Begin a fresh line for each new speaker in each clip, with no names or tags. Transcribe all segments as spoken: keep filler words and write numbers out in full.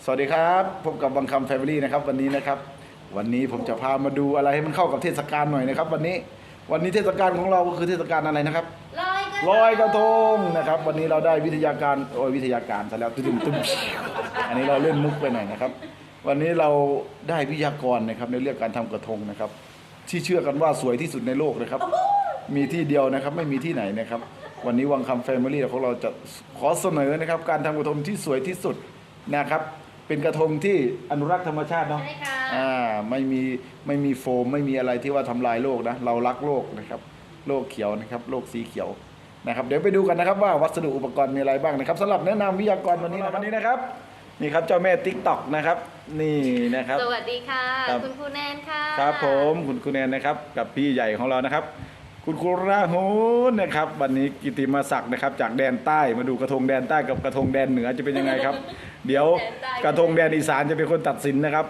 วัสดีครับพบกับบังคำแฟมิลี่นะครับวันนี้นะครับวันนี้ผมจะพามาดูอะไรให้มันเข้ากับเทศกาลหน่อยนะครับวันนี้วันนี้เทศกาลของเราก็คือเทศกาลอะไรนะครับ
ลอยกระทง
ลอยกระทงนะครับวันนี้เราได้วิทยาการโอ้ยวิทยาการซะแล้วตุ้มตุ้มอันนี้เราเล่นมุกไปหน่อยนะครับวันนี้เราได้วิทยากรนะครับในเรื่องการทำกระทงนะครับที่เชื่อกันว่าสวยที่สุดในโลกนะครับมีที่เดียวนะครับไม่มีที่ไหนนะครับวันนี้วังคำแฟมิลี่ของเราจะขอเสนอนะครับการทำกระทงที่สวยที่สุดนะครับเป็นกระทงที่อนุรักษ์ธรรมชาติเนาะอ่าไม่มีไม่มีโฟมไม่มีอะไรที่ว่าทำลายโลกนะเรารักโลกนะครับโลกเขียวนะครับโลกสีเขียวนะครับเดี๋ยวไปดูกันนะครับว่าวัสดุอุปกรณ์มีอะไรบ้างนะครับสำหรับแนะนำวิทยากรวันนี้นะครับวันนี้นะครับนี่ครับเจ้าแม่ติ๊กต็อกนะครับนี่นะครับ
สวัสดีค่ะคุณครูแนนค่ะ
ครับผมคุณครูแนนนะครับกับพี่ใหญ่ของเรานะครับคุณครูราหูนะครับวันนี้กิติมาศักดิ์นะครับจากแดนใต้มาดูกระทงแดนใต้กับกระทงแดนเหนือจะเป็นยังไงครับ เดี๋ยวกระทงแดนอีสานจะเป็นคนตัดสินนะครับ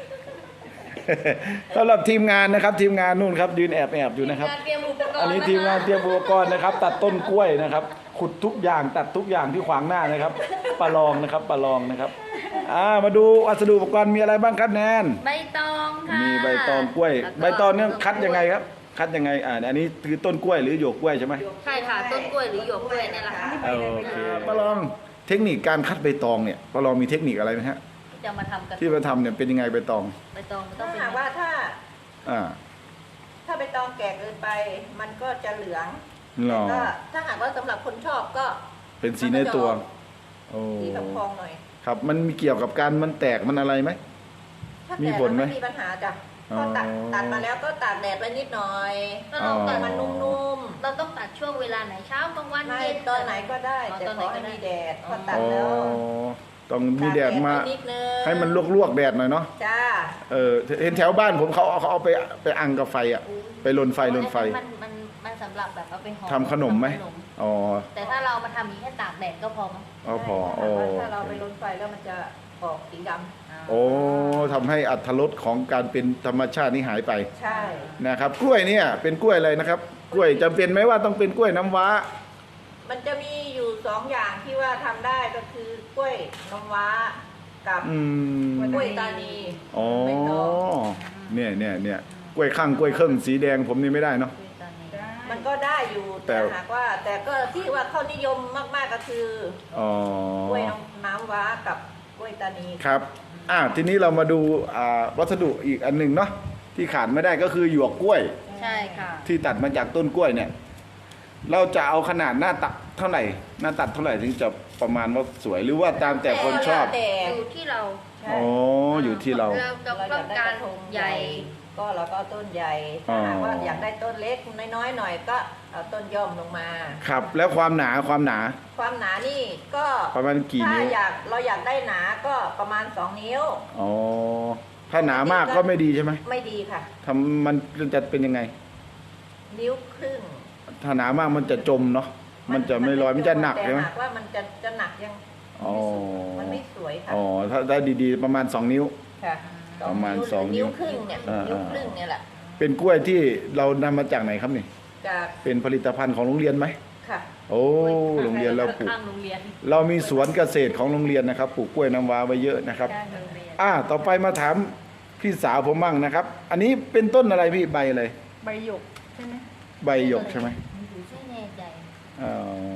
สำหรับทีมงานนะครับทีมงานนู่นครับยืนแอบแอบอยู่นะครับอันนี้ทีมงานเตรียมอุปกรณ์นะครับตัดต้นกล้วยนะครับขุดทุกอย่างตัดทุกอย่างที่ขวางหน้านะครับปลาลองนะครับปลาลองนะครับอ่ามาดูวัสดุอุปกรณ์มีอะไรบ้างครับแนน
ใบตองค่ะ
มีใบตองกล้วยใบตองเนี่ยคัดยังไงครับคัดยังไงอ่าอันนี้คือต้นกล้วยหรือหยวกกล้วยใช่ไหม
ใช่ค่ะต้นกล้วยหรือหยวกกล้วยเนี่ยแหละค่ะ
โอเคปลาลองเทคนิคการคัดใบตองเนี่ยปลาลองมีเทคนิคอะไรไหมฮะ
จะมาทำกัน
ที่มาทำเนี่ยเป็นยังไงใบตอง
ใบตองต้
ถ้า
องเป็น
หากว่าถ้า
อ่า
ถ้าใบตองแก่เกินไปมันก็จะเหลือง
หรอ
ก็ถ้าหากว่าสำหรับคนชอบก็
เป็นสีในตัวโอ้
สีทองหน่อย
ครับมันมีเกี่ยวกับการมันแตกมันอะไรไหม
ถ้าแตกมันไม่มีปัญหาจ้ะพอตัดตัดมาแล้วก็ตากแดดไว้นิดหน่อย
เราตัด
มันนุ่ม
ๆเราต้องตัดช่วงเวลาไหนเช้ากลางวัน
เย็นตอนไหนก็ได้แต่ขอให้มีแดดพอตัดแล้ว
ต้องมีแดดมาให้มันลวกๆแดดหน่อยเนาะ
จ้า
เออเห็นแถวบ้านผมเขาเขาเอาไปไปอังกับไฟอ่ะไปลนไฟลนไฟ
มันมันมันสำหรับแบบเอาไปห่อ
ทำขนมไหมอ๋อ
แต่ถ้าเรามาทำอย่างแค่ตากแดดก็พอมั้ง
อ๋อพอโอ้
ถ้าเราไปลนไฟแล้วมันจะออกสีดำ
โอ้ทำให้อรรถรสของการเป็นธรรมชาตินี่หายไป
ใช่
นะครับกล้วยเนี่ยเป็นกล้วยอะไรนะครับกล้วยจำเป็นไหมว่าต้องเป็นกล้วยน้ำว้า
มันจะมีอยู่สองอย่างที่ว่าทำได้ก็คือกล้วยน้ำว้ากับกล้วยตานี
อ๋อเนี่ยเนี่ยเนี่ยกล้วยข้างกล้วยเครื่องสีแดงผมนี่ไม่ได้เนาะ
มันก็ได้อยู่แต่หากว่าแต่ก็ที่ว่าเขานิยมมากๆก็คือกล้วยน้ำว้ากับกล้วยตานี
ครับอ่าทีนี้เรามาดูอ่าวัสดุอีกอันหนึ่งเนาะที่ขาดไม่ได้ก็คือหยวกกล้วย
ใช่ค่ะ
ที่ตัดมาจากต้นกล้วยเนี่ยเราจะเอาขนาดหน้าตัดเท่าไหร่หน้าตัดเท่าไหร่ถึงจะประมาณว่าสวยหรือว่าตามแต่คนชอบ
อยู่ที่เรา
อ๋ออยู่ที่เรา
เราต้องการใหญ่
ก็เราก็ต้นใหญ่ถ้าหากว่าอยากได้ต้นเล็กน้อยๆหน่อยก็เอาต้นย่อมลงมา
ครับแล้วความหนาความหนา
ความหนานี่ก็
ประมาณกี่นิ้ว
ถ้าอยากเราอยากได้หนาก็ประมาณสองนิ้ว
อ๋อถ้าหนามากก็ไม่ดีใช่ไหม
ไม่ดีค่ะ
ทำมันจะเป็นยังไง
นิ้วครึ่ง
ถ้าหนามากมันจะจมเนาะมันจะไม่ลอยมันจะหนักใช่ไหม
แต่หากว่ามันจะจะหนักยังมันไม่สวยค่ะ
อ๋อถ้าได้ดีๆประมาณสองนิ้ว
ค่ะ
ประมาณสอง
นิ้วครึ่งเนี่ยนิ้วครึ่งเนี่ยแหละ
เป็นกล้วยที่เรานำมาจากไหนครับนี่
จาก
เป็นผลิตภัณฑ์ของโรงเรียนไหม
ค่ะ
โอ้โรงเรียนเราปลูกเรามีสวนเกษตรของโรงเรียนนะครับปลูกกล้วยน้ำว้าไว้เยอะนะครับอ่าต่อไปมาถามพี่สาวผมมั่งนะครับอันนี้เป็นต้นอะไรพี่ใบอะไร
ใบหยกใช่ไหม
ใบหยกใช่ไหมอ๋อ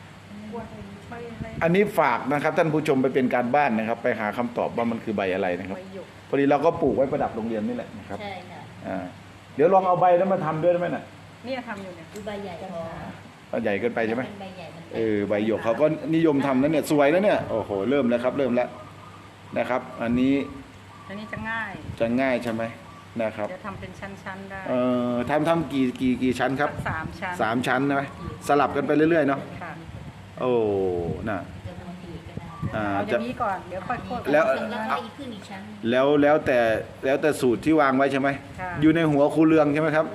อันนี้ฝากนะครับท่านผู้ชมไปเป็นการบ้านนะครับ ไปหาคำตอบว่ามันคือใบอะไรนะครับพอดีเราก็ปลูกไว้ประดับโรงเรียนนี่แหละนะครับ
ใช่ค่ะ
อ่าเดี๋ยวลองเอาใบนั้นมาทำด้วยได้ไหมน่ะ
นี่ทำอยู่เนี่ย
ใบใหญ่พ
อใหญ่เกินไปใช่ไหม
ใบใหญ่
เออใบหยกเขาก็นิยมทำนั่นเนี่ยสวยนะเนี่ยโอ้โหเริ่มแล้วครับเริ่มแล้วนะครับอันนี้
อันนี้จะง่าย
จะง่ายใช่ไหมนะครับ
จะทำเป็นชั้นๆได้
เอ่อทำทำกี่กี่กี่ชั้นครับ
สามชั้น
สามชั้นใช่ไหมสลับกันไปเรื่อยๆเนาะโอ้น่ะ
อ่าจะนี้ก่อนเดี๋ยวค่อยโคตร
แล้วแล้วแล้วแต่แล้วแต่สูตรที่วางไว้ใช่ไหมอยู่ในหัวครูเรืองใช่ไหมครับ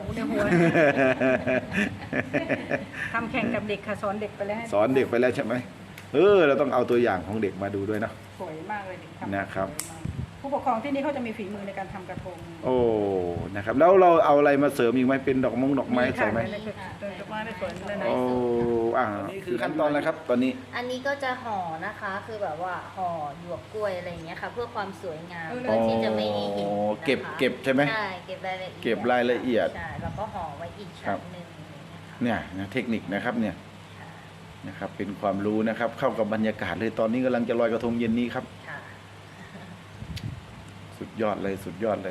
ทำแข่งกับเด็กค่ะสอนเด็กไปแล้ว
สอนเด็กไปแล้วใช่ไหมเออเราต้องเอาตัวอย่างของเด็กมาดูด้วยนะ
สวยมากเลยเด็ก
นะครับ
ผู้ปกครองที่นี่เขาจะมีฝีมือในการทำกระทง
โอ้นะครับแล้วเราเอาอะไรมาเสริมอีกไหมเป็นดอกมงดอกไม้ใส่ไหม
ในคือดอกไม้ในสวนเลยนะ
โอ้อ่านี่คือขั้นตอนอะไรครับตอนนี้
อันนี้ก็จะห่อนะคะ คือแบบว่าห่อหยวกกล้วยอะไรอย่างเงี้ยค่ะ เพื่อความสวยงาม
อ๋อ
เพื่อที่จะไม่ให้เห็นนะคะ
เก็บเก็บใช่ไหม
ใช่เก็บรายละเอียด
เก็บรายละเอียด
ใช่แล้วก็ห่อไว้อีก
ครั
ชั้
บ
นหนึ่งอย่างเงี้ยค่ะ
เนี่ยนะเทคนิคนะครับเนี่ยนะครับเป็นความรู้นะครับเข้ากับบรรยากาศเลยตอนนี้กำลังจะลอยกระทงเย็นนี้ครับ
ค่ะ
สุดยอดเลยสุดยอดเลย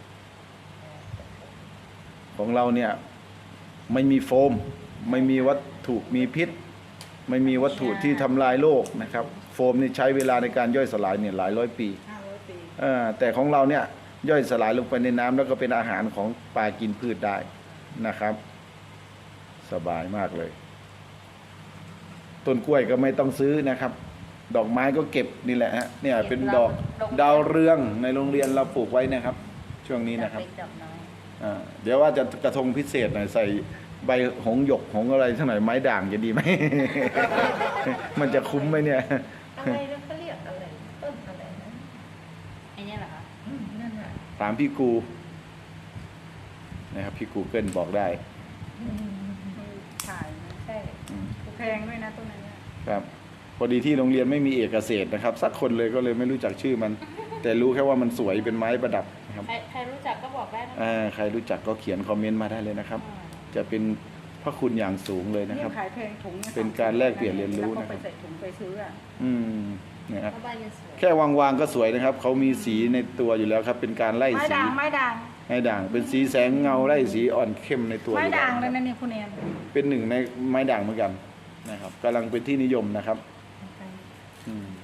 ของเราเนี่ยไม่มีโฟม ไม่มีวัตถุมีพิษ ไม่มีวัตถุที่ทำลายโลกนะครับ โฟมนี่ใช้เวลาในการย่อยสลายเนี่ยหลายร้อยปี
ห้าร้อยปี
เออแต่ของเราเนี่ยย่อยสลายลงไปในน้ำแล้วก็เป็นอาหารของปลากินพืชได้นะครับ สบายมากเลย ต้นกล้วยก็ไม่ต้องซื้อนะครับ ดอกไม้ก็เก็บนี่แหละฮะเนี่ยเป็นดอกดาวเรืองในโรงเรียนเราปลูกไว้นะครับ ช่วงนี้นะครับ
ดอกเล็กดอกน้อย
อ่าเดี๋ยวว่าจะกระทงพิเศษหน่อยใส่ใบหงหยกหงอะไรสักหน่อยไม้ด่างจะดีไหม มันจะคุ้มไหมเนี่ย
อะไรนะเขาเรียกอะไรต้นอะไรนะ
ไอ้เนี่ยเหรอคะ
อืมนั่นแหละ
ถามพี่กูนะครับพี่กูเกิลบอกได้
ขายนะ
ใช่
อืม
แพงด้วยนะต้นนั้นเนี่ย
ครับพอดีที่โรงเรียนไม่มีเอกเกษตรนะครับ สักคนเลยก็เลยไม่รู้จักชื่อมัน แต่รู้แค่ว่ามันสวยเป็นไม้ประดับนะครับ
ใครใครรู้จักก็บอกได้นะ
อ่าใครรู้จักก็เขียนคอมเมนต์มาได้เลยนะครับ จะเป็นพระคุณอย่างสูงเลยนะ
นี่
ครับ
ขายแพงถุงย
เป็นการแลกเปลี่ยนเรียนรู้
แล้ว
นะค
ก็
รับ
ไปใส่ถุงไปซื้ออ่ะ
อืมนะครับ
เพราะใบมันสวย
แค่วางๆก็สวยนะครับเขามีสีในตัวอยู่แล้วครับ เป็นการไล่
ไม้
สี
ด่างไม้ด่าง
ให้ด่าง เป็นสีแสงเงาไล่สีอ่อนเข้มในตัว
ไม้
อยู่
ด่าง
แว
เลย
นะ
นะเนี่ยคุณแอน
เป็นหนึ่งในไม้ด่างเหมือนกันนะครับกำลังเป็นที่นิยมนะครับอืม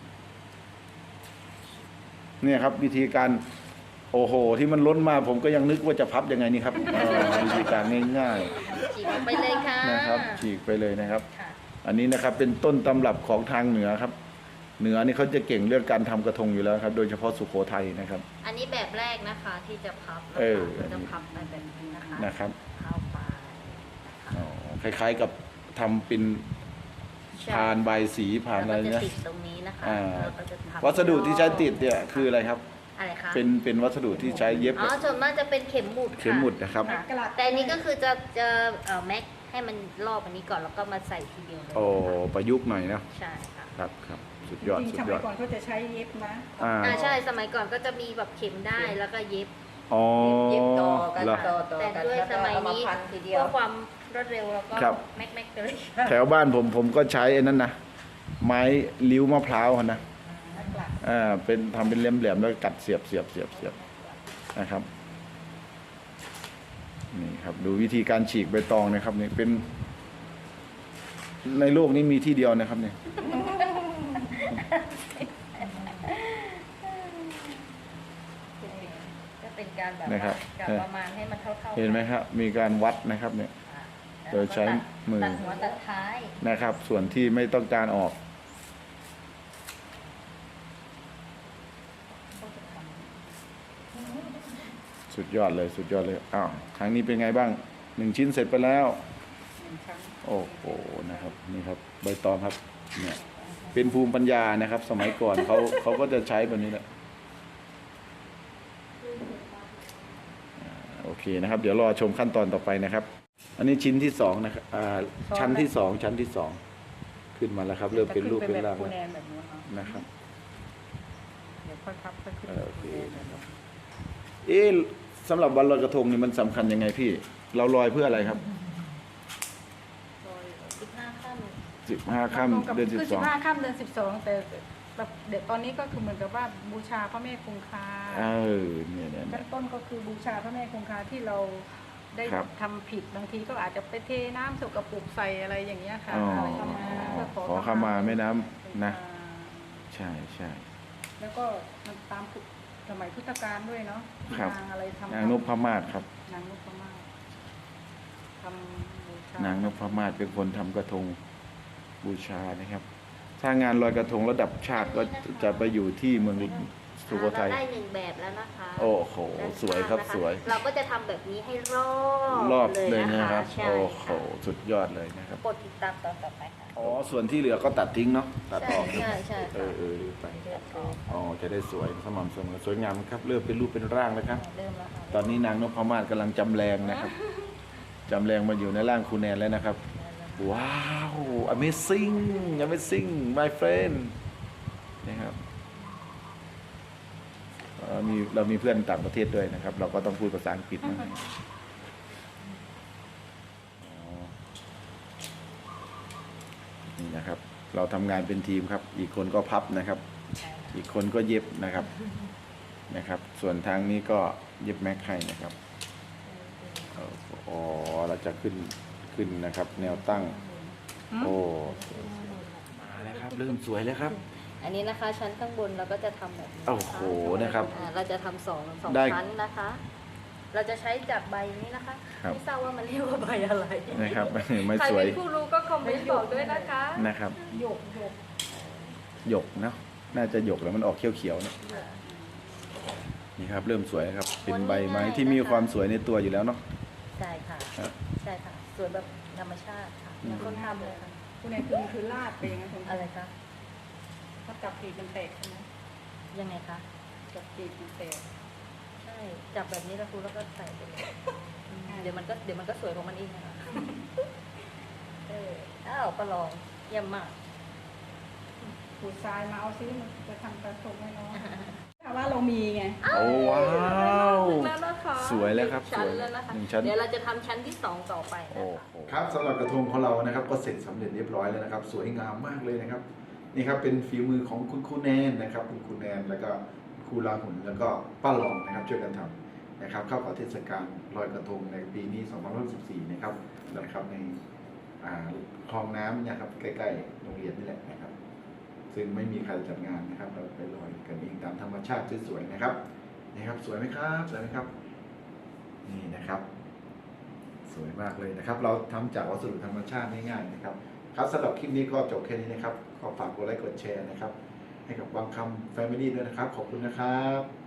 เนี่ยครับวิธีการโอ้โห ที่มันล้นมาผมก็ยังนึกว่าจะพับยังไงนี่ครับเออวิธีการง่าย
ฉีกออกไปเลยค่ะ
ๆนะครับ ฉีกไปเลยนะครับ
ค่ะ
อันนี้นะครับเป็นต้นตำรับของทางเหนือครับ เหนือนี่เขาจะเก่งเรื่องการทำกระทงอยู่แล้วครับ โดยเฉพาะสุโขทัยนะครับ
อันนี้แบบแรกนะคะที่จะพับนะ
เออ
คะจะพับไปแบบนี้นะคะ
นะครับ
เข้าไป
อ๋อคล้ายๆกับทำเป็น
ใช่
ผ่านใบสีผ่านอะไร
แล้วก็
เนี่ย
จะติดตรงนี้นะคะ
อ่า
แล้วก็จะพับ
วัสดุที่ใช้ติดเนี่ยคืออะไรครับ
อะไรคะ
เป็นเป็นวัสดุที่ใช้เย็บ
อ๋อส่วนมากจะเป็นเข็มหมุดค่ะ
เข็มหมุดนะครับ
ค่ะแต่อันนี้ก็คือจะจะเอ่อแม็กให้มันรอบอันนี้ก่อนแล้วก็มาใส่ทีเดียวเลย
โอ้ประยุกต์หน่อยนะ
ใช่ค่ะ
ครับครับสุด
จ
ยอด
ริง
สุ
ๆ
ด
ส
ย
มั
อย ด
ก่อนเขาจะใช้เย็บนะ
อ่า
อ่าใช่สมัยก่อนก็จะมีแบบเข็มได้แล้วก็เย็บ
อ๋อ
เย็บต่อกัน
เหรอ
ต่อต่อ
แต่
กัน
ด้วย
แล้ว
ส
ก็
มัย
เอามา
นี้
พันทีเดีย
เพื่
ว
อความรวดเร็วแล้วก็
ครับ
แม็กแม็กเลย
แถวบ้านผมผมก็ใช้ไอ้นั่นนะไม้ลิ้วมะพร้าวอะนะอ่าเป็นทำเป็นแหลมๆแล้วก็กัดเสียบเสียบเสียบเสียบนะครับนี่ครับดูวิธีการฉีกใบตองนะครับนี่เป็น ในโลกนี้มีที่เดียวนะครับเนี่ย
ก็เป็นการแบบ
นะครั
ว่า
บ
กับประมาณให้มันเท่าๆ
เห็นไหมครับ มีการวัดนะครับเนี่ย
ค่ะ
โดยใช้มือ
ตัดหัวตัดท้าย
นะครับ ส่วนที่ไม่ต้องการออก สุดยอดเลยสุดยอดเลยอ้าวครั้งนี้เป็นไงบ้างหนึ่งชิ้นเสร็จไปแล้ว
หนึ่งครั้ง
โอ้โหนะครับนี่ครับใบตองครับเนี่ยเป็นภูมิปัญญานะครับ สมัยก่อนเขาเขาก็จะใช้แบบนี้แหละอ่าโอเคนะครับ เดี๋ยวรอชมขั้นตอนต่อไปนะครับ อันนี้ชิ้นที่สองนะครับอ่าชั้นที่สองชั้นที่สองขึ้นมาแล้วครับ เริ่มเป็นรูปเป็นร่าง
คุ
แล้ว
ณแอนแบบนู้นเนาะ
นะครับ
เดี๋ยวค่อยพับค่อยขึ้น
เออโอเค
ณแอนแบบนู้น
เอ๊ะสำหรับวันลอยกระทงนี่มันสำคัญยังไงพี่ เราลอยเพื่ออะไรครับ
สิบห้าขั้น
สิบห้าค่ำเดือนสิบ
คือ
ส
สิ
อง
บห้าค่ำเดือนสิบสองแต่แบบเด็กตอนนี้ก็คือเหมือนกับว่าบูชาพระแม่คงคา
เออเนี่ยเนี่ยเนี่
ขั้
ย
นต้นก็คือบูชาพระแม่คงคาที่เราได้
ครับ
ทำผิดบางทีก็อาจจะไปเทน้ำสกปรกใส่อะไรอย่างเงี้ยค่ะ
อ๋อ
อะไรประมาณนั้นเพื่อ
ขอขมาแม่น้ำนะ ใช่ใช่
แล้วก็มันตามสมัยพุทธกาลด้วยเนาะ
ครับ
นางอะไรทำ
นางนพมาศครับ
นางนพมาศทำบูชาน
างนพมาศเป็นคนทำกระทงบูชานะครับ ถ้างานลอยกระทงระดับชาติก็จะไปอยู่ที่เมืองสุโขทัย
เราได้หนึ่งแบบแล้วนะคะ
โอ้โห
ด้าน
สวยครับ
ข้างนะะ
สวย
เราก็จะทำแบบนี้ให้รอบ
รอบเลย
นะ
นะครับ
ใช่
โอ้โห
ค่ะ
สุดยอดเลยนะครับ
กดติดตามตอนต่อไปค่ะ
อ๋อ ส่วนที่เหลือก็ตัดทิ้งเนาะ ตัดออก
ใช่ใช่
เอ
ค่ะ
อเออไป
เลือกออก
อ๋อ จะได้สวยสม่ำเสมอ สวยงามครับ เริ่มเป็นรูปเป็นร่างแล้วครับ
เริ่มแล้วค่ะ
ตอนนี้นางนพมาศกำลังจำแรงนะครับ จำแรงมาอยู่ในร่างครูแนนแล้วนะครับ ว้าว amazing amazing my friend นะครับเอ่อมีเรามีเพื่อนต่างประเทศด้วยนะครับ เราก็ต้องพูดภาษาอังกฤษนะอ๋อนี่นะครับ เราทำงานเป็นทีมครับ อีกคนก็พับนะครับ อีกคนก็เย็บนะครับนะครับ ส่วนทางนี้ก็เย็บแม็กให้นะครับอ๋อเราจะขึ้นขึ้นนะครับ แนวตั้ง โอ้มาแล้วครับ เริ่มสวยแล้วครับ
อันนี้นะคะชั้นข้างบนเราก็จะทำแบบนี้
โอ้โหนะครับ
อ่าเราจะทำสองสอง
ได้
ชั้นนะคะ เราจะใช้จากใบนี้นะคะ
ครับ
ไม่ทราบว่ามันเรียกว่าใบอะไร
นะครับ ไม่
ใคร
สวย
เป็นผู้รู้ก็คอมเมนต์บอกด้วยนะคะ
นะครับ
หยกหยก
หยกเนาะน่าจะหยกแล้วมันออกเขียวๆเนอะนี่ครับ เริ่มสวยแล้วครับ เป็นใบไม้ที่มีความสวยในตัวอยู่แล้วเนาะ
ใช่ค่ะ
ครับ
ใช่ค่ะสวยแบบธรรมชาติค่ะเหมือนคนทำเลยค่ะ
คุณนายคือคือลาดไปอย่างนั้นคุณ
อะไรคะ
ถ้าจับปีกมันแตกใช่ไหม
ยังไงคะ
จับปีกมันแตก
ใช่จับแบบนี้แล้วครูแล้วก็ใส่ไปเลยอืมเดี๋ยวมันก็เดี๋ยวมันก็สวยของมันเองนะคะเอออ้าวประลองเยี่ยมมาก
ขูดทรายมาเอาซิมันจะทำกระทงให้น้องถ้าว่าเรามีไง
โอ้ว้าว
แล้วนะคะ
สวยแล้วครับ
ชั้น
สวย
แล้วนะคะ
หนึ่งชั้น
เดี๋ยวเราจะทำชั้นที่สองต่อไปนะ
โอ้
คะ
โหครับสำหรับกระทงของเรานะครับ ก็เสร็จสำเร็จเรียบร้อยแล้วนะครับ สวยงามมากเลยนะครับ นี่ครับเป็นฝีมือของคุณครูแนนนะครับ คุณครูแนนแล้วก็ครูลาหุ่นแล้วก็ป้าหลองนะครับช่วยกันทำนะครับ เข้ากับเทศกาลลอยกระทงในปีนี้สองพันสิบสี่นะครับนะครับในอ่าคลองน้ำเนะครับใกล้ๆโรงเรียนนี่แหละนะครับ ซึ่งไม่มีใครจัดงานนะครับ เราไปลอยกันเองตามธรรมชาติสวยๆนะครับนี่ครับสวยไหมครับสวยไหมครับ นี่นะครับ สวยมากเลยนะครับ เราทำจากวัสดุธรรมชาติง่ายๆนะครับ ครับสำหรับคลิปนี้ก็จบแค่นี้นะครับขอฝากกดไลค์กดแชร์นะครับ ให้กับบางคำแฟมิลี่ด้วยนะครับ ขอบคุณนะครับ